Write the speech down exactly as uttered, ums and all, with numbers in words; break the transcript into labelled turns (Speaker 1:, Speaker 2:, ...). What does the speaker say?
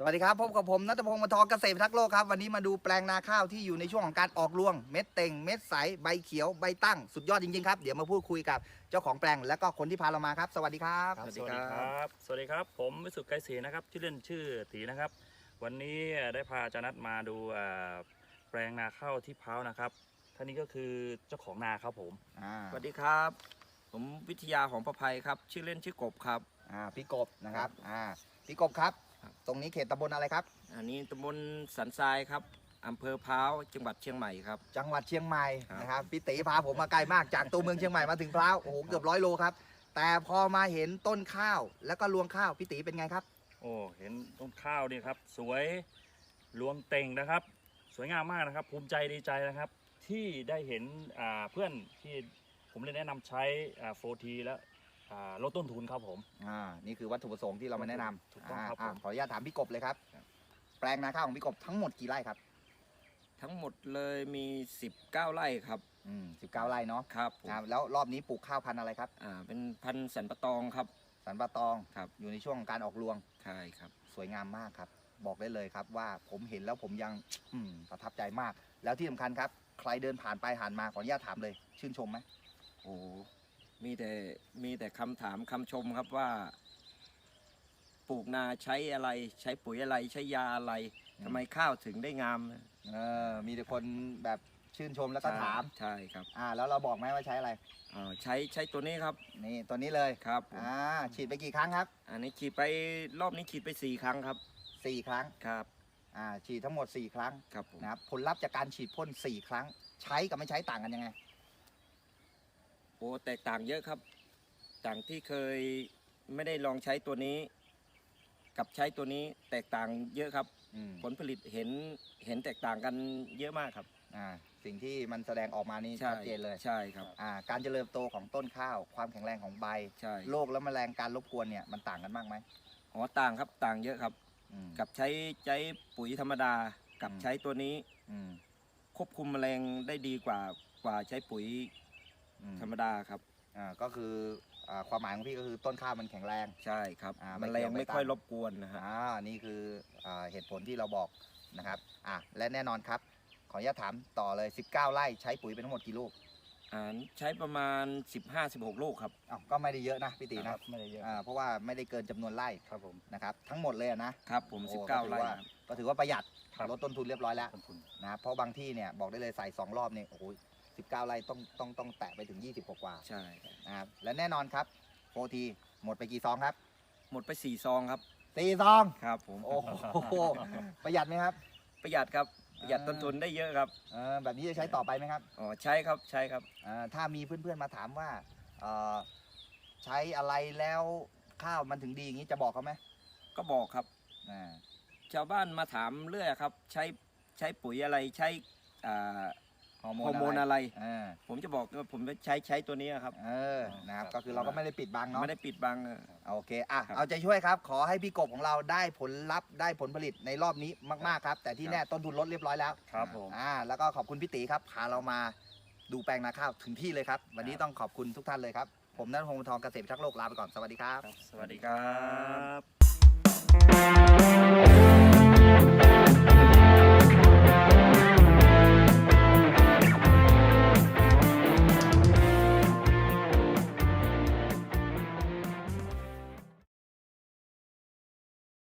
Speaker 1: วัสดีครับพบกับผมณัฐพงศ์ มทเกษตรพิทักษ์โลกครับวันนี้มาดูแปลงนาข้าวที่อยู่ในช่วงของการออกรวงเม็ดเต่งเม็ดใสใบเขียวใบตั้งสุดยอดจริงๆครับเดี๋ยวมาพูดคุยกับเจ้าของแปลงและก็คนที่พาเรามาครับสวัสดีครับ
Speaker 2: สวัสดีครับ สวัสดีครับผมวิสุทธิ์ไกรศรีนะครับชื่อเล่นชื่อตีนะครับวันนี้ได้พาอาจารย์นัทมาดูแปลงนาข้าวที่พร้าวนะครับท่านนี้ก็คือเจ้าของนาครับผม
Speaker 3: สวัสดีครับผมวิทยาของประภัยครับชื่อเล่นชื่อกบครับ
Speaker 1: อ่าพี่กบนะครับอ่าพี่กบครับตรงนี้เขตตำบลอะไรครับ
Speaker 3: อันนี้ตำบลสันทรายครับอำเภอพร้าวจังหวัดเชียงใหม่ครับ
Speaker 1: จังหวัดเชียงใหม่
Speaker 3: ครับ
Speaker 1: นะครับพี่ตีพาผมมาไกลมากจากตัวเมืองเชียงใหม่มาถึงพร้าวโอ้โหเกือบร้อยโลครับแต่พอมาเห็นต้นข้าวแล้วก็รวงข้าวพี่ตีเป็นไงครับ
Speaker 2: โอ้เห็นต้นข้าวนี่ครับสวยรวงเต่งนะครับสวยงามมากนะครับภูมิใจดีใจนะครับที่ได้เห็นเพื่อนที่ผมเลยแนะนำใช้โฟทีและลดต้นทุนครับผม
Speaker 1: อ่านี่คือวัตถุประสงค์ที่เรามาแนะนำ
Speaker 2: ถูกต้องครับผม
Speaker 1: ขออนุญาตถามพี่กบเลยครับแปลงนาข้าวของพี่กบทั้งหมดกี่ไร่ครับ
Speaker 3: ทั้งหมดเลยมีสิบเก้าไร่ครับ
Speaker 1: อืมสิบเก้าไร่เนาะ
Speaker 3: ครับ
Speaker 1: แล้วรอบนี้ปลูกข้าวพันธุ์อะไรครับ
Speaker 3: อ่าเป็นพันธุ์สันปะตองครับ
Speaker 1: สันปะตอง
Speaker 3: ครับ
Speaker 1: อยู่ในช่วงของการออกรวง
Speaker 3: ใช่ครับ
Speaker 1: สวยงามมากครับบอกได้เลยครับว่าผมเห็นแล้วผมยังอืมประทับใจมากแล้วที่สำคัญครับใครเดินผ่านไปผ่านมาขออนุญาตถามเลยชื่นชมไหม
Speaker 3: โอ้มีแต่มีแต่คำถามคำชมครับว่าปลูกนาใช้อะไรใช้ปุ๋ยอะไรใช้ยาอะไรทำไมข้าวถึงได้งาม
Speaker 1: เออมีแต่คนแบบชื่นชมแล้วก็ถาม
Speaker 3: ใช่ครับ
Speaker 1: อ่าแล้วเราบอกไหมว่าใช้อะไร
Speaker 3: อ่าใช้ใช้ตัวนี้ครับ
Speaker 1: นี่ตัวนี้เลย
Speaker 3: ครับ
Speaker 1: อ่าฉีดไปกี่ครั้งครับ
Speaker 3: อันนี้ฉีดไปรอบนี้ฉีดไปสี่ครั้งครับ
Speaker 1: สี่ครั้ง
Speaker 3: ครับ
Speaker 1: อ่าฉีดทั้งหมดสี่ครั้ง
Speaker 3: ครับผม
Speaker 1: นะครับผลลัพธ์จากการฉีดพ่นสี่ครั้งใช้กับไม่ใช้ต่างกันยังไง
Speaker 3: โอ้แตกต่างเยอะครับต่างที่เคยไม่ได้ลองใช้ตัวนี้ กับใช้ตัวนี้แตกต่างเยอะครับผลผลิตเห็นเห็นแตกต่างกันเยอะมากครับ
Speaker 1: อ่าสิ่งที่มันแสดงออกมานี่ชัดเจนเลย
Speaker 3: ใช่ครับ
Speaker 1: อ่าการเจริญโตของต้นข้าวความแข็งแรงของใบ
Speaker 3: ใช่
Speaker 1: โรคและแมลงการรบกวนเนี่ยมันต่างกันมากไหม
Speaker 3: อ๋อต่างครับต่างเยอะครับกับใช้ใช้ปุ๋ยธรรมดากับใช้ตัวนี้ควบคุมแมลงได้ดีกว่ากว่าใช้ปุ๋ยธรรมดาครับ
Speaker 1: อ่าก็คือความหมายของพี่ก็คือต้นข้าวมันแข็งแรง
Speaker 3: ใช่ครับแมลงไม่ค่อยรบกวนนะฮะ
Speaker 1: อ่านี่คือเหตุผลที่เราบอกนะครับอ่าและแน่นอนครับขออนุญาตถามต่อเลยสิบเก้าไร่ใช้ปุ๋ยเป็นทั้งหมดกี่ลูก
Speaker 3: อ่าใช้ประมาณ สิบห้าสิบหก ลูกครับ
Speaker 1: อ้าวก็ไม่ได้เยอะนะพี่ตีนะ
Speaker 2: ไม่ได้เยอะ
Speaker 1: อ่าเพราะว่าไม่ได้เกินจำนวนไร่
Speaker 2: ครับผม
Speaker 1: นะครับทั้งหมดเลยนะครับ
Speaker 3: ผมสิบเก้าไร่
Speaker 1: ก็ถือว่าประหยัดลดต้นทุนเรียบร้อยแล้วนะครับเพราะบางที่เนี่ยบอกได้เลยใส่สองรอบเนี่ยโอ้โหสิบเก้าไร่ต้องต้องต้องแตะไปถึงยี่สิบกว่า
Speaker 3: ใช่
Speaker 1: นะครับและแน่นอนครับโฟทีหมดไปกี่ซองครับ
Speaker 3: หมดไปสี่ซองครับ
Speaker 1: สี่ซอง
Speaker 3: ครับผม
Speaker 1: โอ้โหประหยัดไหมครับ
Speaker 3: ประหยัดครับประหยัดต้นทุนได้เยอะครับ
Speaker 1: เออแบบนี้จะใช้ต่อไปไหมครับ
Speaker 3: อ๋อใช้ครับใช้ครับ
Speaker 1: อ่าถ้ามีเพื่อนๆมาถามว่าเอ่อใช้อะไรแล้วข้าวมันถึงดีอย่างนี้จะบอกเขาไหม
Speaker 3: ก็บอกครับ
Speaker 1: อ่า
Speaker 3: ชาวบ้านมาถามเรื่อยครับใช้ใช้ปุ๋ยอะไรใช้อ่าฮอร์โมนอะไรผมจะบอกว่าผมใช้ใช้ตัวนี้ครับ
Speaker 1: เออนะครับก็คือเราก็ไม่ได้ปิดบังเนาะ
Speaker 3: ไม่ได้ปิดบัง
Speaker 1: โอเคอ่ะเอาใจช่วยครับขอให้พี่กบของเราได้ผลลัพธ์ได้ผลผลิตในรอบนี้มากๆครับแต่ที่แน่ต้นทุนลดเรียบร้อยแล้ว
Speaker 2: ครับผม
Speaker 1: อ่าแล้วก็ขอบคุณพี่ตีครับพาเรามาดูแปลงนาข้าวถึงที่เลยครับวันนี้ต้องขอบคุณทุกท่านเลยครับผมณัฐพงศ์ ทองเกษตรพิทักษ์โลกลาไปก่อนสวัสดีครับ
Speaker 3: สวัสดีครับ